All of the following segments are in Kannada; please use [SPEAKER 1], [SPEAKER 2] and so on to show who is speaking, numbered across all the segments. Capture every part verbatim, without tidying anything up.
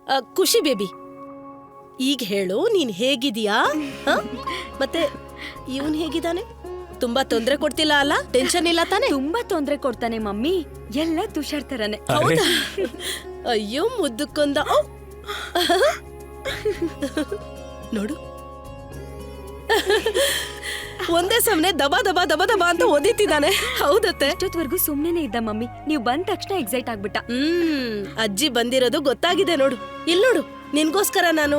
[SPEAKER 1] ಖುಷಿ ಬೇಬಿ, ಈಗ ಹೇಳು, ನೀನ್ ಹೇಗಿದೀಯಾ? ಮತ್ತೆ ಇವನ್ ಹೇಗಿದ್ದಾನೆ? ತುಂಬಾ ತೊಂದ್ರೆ ಕೊಡ್ತಿಲ್ಲ ಅಲ್ಲ? ಟೆನ್ಷನ್ ಇಲ್ಲ ತಾನೆ?
[SPEAKER 2] ತುಂಬಾ ತೊಂದ್ರೆ ಕೊಡ್ತಾನೆ ಮಮ್ಮಿ, ಎಲ್ಲ ತುಷಾರ್ ತರನೇ.
[SPEAKER 1] ಹೌದಾ? ಅಯ್ಯೋ ಮುದ್ದುಕೊಂದ. ನೋಡು, ಒಂದೇ ಸಮನೆ ದಬಾ ದಬಾ ದಬಾ ದಬಾ ಅಂತ ಓದಿತಿದ್ದಾನೆ. ಹೌದತ್ತೆ.
[SPEAKER 2] ಅಷ್ಟೊತ್ವರೆಗೂ ಸುಮ್ನೆ ಇದ್ದ ಮಮ್ಮಿ, ನೀವು ಬಂದ ತಕ್ಷಣ ಎಕ್ಸೈಟ್ ಆಗ್ಬಿಟ್ಟ.
[SPEAKER 1] ಹ್ಮ್ ಅಜ್ಜಿ ಬಂದಿರೋದು ಗೊತ್ತಾಗಿದೆ ನೋಡು. ಇಲ್ ನೋಡು, ನಿನ್ಗೋಸ್ಕರ ನಾನು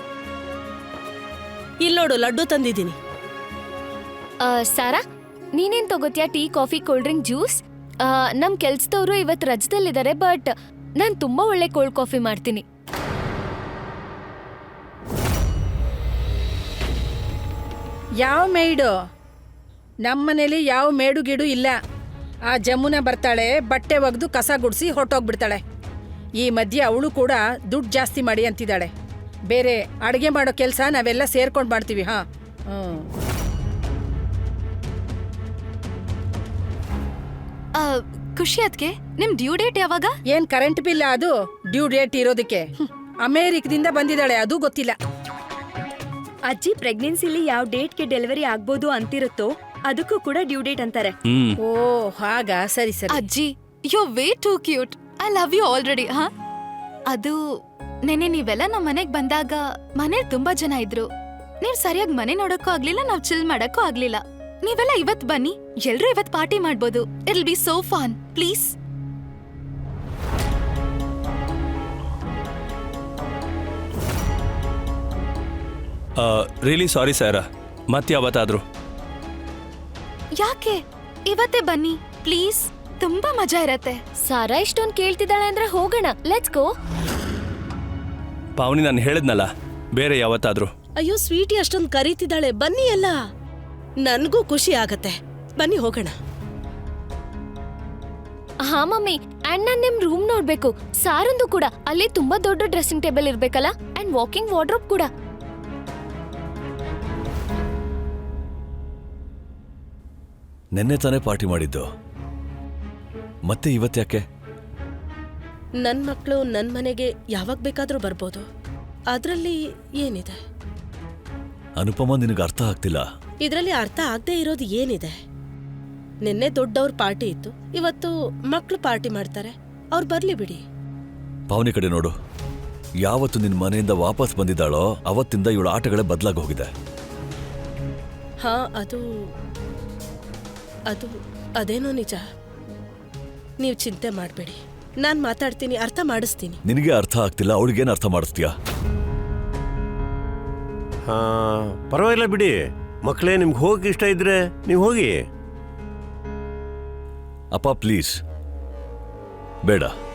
[SPEAKER 1] ಇಲ್ ನೋಡು ಲಡ್ಡು ತಂದಿದ್ದೀನಿ.
[SPEAKER 3] ಸಾರಾ, ನೀನೇನ್ ತಗೋತ್ಯಾ? Tea, coffee, cold drink, juice? ನಮ್ ಕೆಲ್ಸದವ್ರು ಇವತ್ ರಜದಲ್ಲಿದ್ದಾರೆ, ಬಟ್ ನಾನ್ ತುಂಬಾ ಒಳ್ಳೆ ಕೋಲ್ಡ್ ಕಾಫಿ ಮಾಡ್ತೀನಿ.
[SPEAKER 4] ಯಾವ ಮೇಯ್ಡು? ನಮ್ಮನೇಲಿ ಯಾವ ಮೇಡು ಗಿಡು ಇಲ್ಲ. ಆ ಜಮುನ ಬರ್ತಾಳೆ, ಬಟ್ಟೆ ಒಗ್ದು ಕಸ ಗುಡಿಸಿ ಹೊರಟೋಗ್ಬಿಡ್ತಾಳೆ. ಈ ಮಧ್ಯೆ ಅವಳು ಕೂಡ ದುಡ್ಡು ಜಾಸ್ತಿ ಮಾಡಿ ಅಂತಿದ್ದಾಳೆ. ಬೇರೆ ಅಡುಗೆ ಮಾಡೋ ಕೆಲಸ ನಾವೆಲ್ಲ ಸೇರ್ಕೊಂಡು ಮಾಡ್ತೀವಿ. ಹಾ ಹ್ಮ್
[SPEAKER 5] ಖುಷಿ ಅದ್ಕೆ ನಿಮ್ ಡ್ಯೂ ಡೇಟ್ ಯಾವಾಗ?
[SPEAKER 4] ಏನ್ ಕರೆಂಟ್ ಬಿಲ್ ಅದು ಡ್ಯೂ ಡೇಟ್ ಇರೋದಕ್ಕೆ? ಅಮೇರಿಕದಿಂದ ಬಂದಿದ್ದಾಳೆ, ಅದು ಗೊತ್ತಿಲ್ಲ.
[SPEAKER 2] ಅಜ್ಜಿ ಪ್ರೆಗ್ನೆನ್ಸಿಲಿ ಯಾವ ಡೇಟ್ಗೆ ಡೆಲಿವರಿ ಆಗ್ಬೋದು ಅಂತಿರುತ್ತೋ ಅದಕ್ಕೂ ಕೂಡ ಡ್ಯೂ ಡೇಟ್ ಅಂತಾರೆ.
[SPEAKER 4] ಓ ಹಾಗ, ಸರಿ ಸರಿ.
[SPEAKER 5] ಅಜ್ಜಿ, you way too cute. I love you already. ಹಾ, ಅದು ನೆನೆ ನೀವೆಲ್ಲ ನಮ್ ಮನೆಗ್ ಬಂದಾಗ ಮನೇಲಿ ತುಂಬಾ ಜನ ಇದ್ರು. ನೀವ್ ಸರಿಯಾಗಿ ಮನೆ ನೋಡಕ್ಕೂ ಆಗ್ಲಿಲ್ಲ, ನಾವ್ ಚಿಲ್ ಮಾಡಕ್ಕೂ ಆಗ್ಲಿಲ್ಲ. ನೀವೆಲ್ಲ ಇವತ್ ಬನ್ನಿ, ಎಲ್ರೂ ಇವತ್ ಪಾರ್ಟಿ ಮಾಡ್ಬೋದು. It will be so fun. Please.
[SPEAKER 6] Really sorry Sara, ಮತ್ತೆ ಯಾವತ್ತಾದ್ರೂ.
[SPEAKER 5] ಯಾಕೆ? ಇವತ್ತೇ ಬನ್ನಿ ಪ್ಲೀಸ್, ತುಂಬಾ ಮಜಾ ಇರತ್ತೆ.
[SPEAKER 3] ಸಾರಾ ಇಷ್ಟೊಂದ್ ಕೇಳ್ತಿದ್ದಾಳೆ ಅಂದ್ರೆ ಹೋಗೋಣ, ಲೆಟ್ಸ್ ಗೋ.
[SPEAKER 6] ಪಾವನಿ, ನಾನು ಹೇಳಿದ್ನಲ್ಲ, ಬೇರೆ ಯಾವತ್ತಾದ್ರೂ.
[SPEAKER 1] ಅಯ್ಯೋ ಸ್ವೀಟಿ ಅಷ್ಟೊಂದು ಕರೀತಿದ್ದಾಳೆ, ಬನ್ನಿ ಎಲ್ಲ. ನನ್ಗೂ ಖುಷಿ ಆಗತ್ತೆ, ಬನ್ನಿ ಹೋಗೋಣ.
[SPEAKER 3] ಹಾ ಮಮ್ಮಿ, ಅಂಡ್ ನಾನ್ ನಿಮ್ ರೂಮ್ ನೋಡ್ಬೇಕು. ಸಾರಂದು ಕೂಡ ಅಲ್ಲಿ ತುಂಬಾ ದೊಡ್ಡ ಡ್ರೆಸ್ಸಿಂಗ್ ಟೇಬಲ್ ಇರ್ಬೇಕಲ್ಲ, ಅಂಡ್ ವಾಕಿಂಗ್ ವಾರ್ಡ್ರೋಬ್ ಕೂಡ.
[SPEAKER 7] ನೆನ್ನೆ ತಾನೇ ಪಾರ್ಟಿ ಮಾಡಿದ್ದು, ಮತ್ತೆ ಇವತ್ತ್ಯಾಕೆ?
[SPEAKER 1] ನನ್ ಮಕ್ಕಳು ನನ್ ಮನೆಗೆ ಯಾವಾಗ ಬೇಕಾದ್ರೂ ಬರ್ಬೋದು, ಅದ್ರಲ್ಲಿ ಏನಿದೆ?
[SPEAKER 7] ಅನುಪಮ, ನಿನಗೆ ಅರ್ಥ ಆಗ್ತಿಲ್ಲ.
[SPEAKER 1] ಇದ್ರಲ್ಲಿ ಅರ್ಥ ಆಗದೆ ಇರೋದು ಏನಿದೆ? ನಿನ್ನೆ ದೊಡ್ಡವ್ರ ಪಾರ್ಟಿ ಇತ್ತು, ಇವತ್ತು ಮಕ್ಳು ಪಾರ್ಟಿ ಮಾಡ್ತಾರೆ, ಅವ್ರು ಬರ್ಲಿ ಬಿಡಿ.
[SPEAKER 7] ಪಾವನಿ ಕಡೆ ನೋಡು, ಯಾವತ್ತು ನಿನ್ ಮನೆಯಿಂದ ವಾಪಸ್ ಬಂದಿದ್ದಾಳೋ ಅವತ್ತಿಂದ ಇವಳ ಆಟಗಳೇ ಬದಲಾಗಿ ಹೋಗಿದೆ.
[SPEAKER 1] ಹಾ, ಅದು ಅದು ಅದೇನೋ ನಿಜ. ನೀವು ಚಿಂತೆ ಮಾಡಬೇಡಿ, ನಾನ್ ಮಾತಾಡ್ತೀನಿ, ಅರ್ಥ ಮಾಡಿಸ್ತೀನಿ.
[SPEAKER 7] ನಿನಗೆ ಅರ್ಥ ಆಗ್ತಿಲ್ಲ, ಅವಳಿಗೇನು ಅರ್ಥ ಮಾಡಿಸ್ತೀಯಾ?
[SPEAKER 8] ಹಾ, ಪರವಾಗಿಲ್ಲ ಬಿಡಿ ಮಕ್ಕಳೇ, ನಿಮ್ಗೆ ಹೋಗಕ್ಕೆ ಇಷ್ಟ ಇದ್ರೆ ನೀವು ಹೋಗಿ.
[SPEAKER 7] ಅಪ್ಪ ಪ್ಲೀಸ್, ಬೇಡ.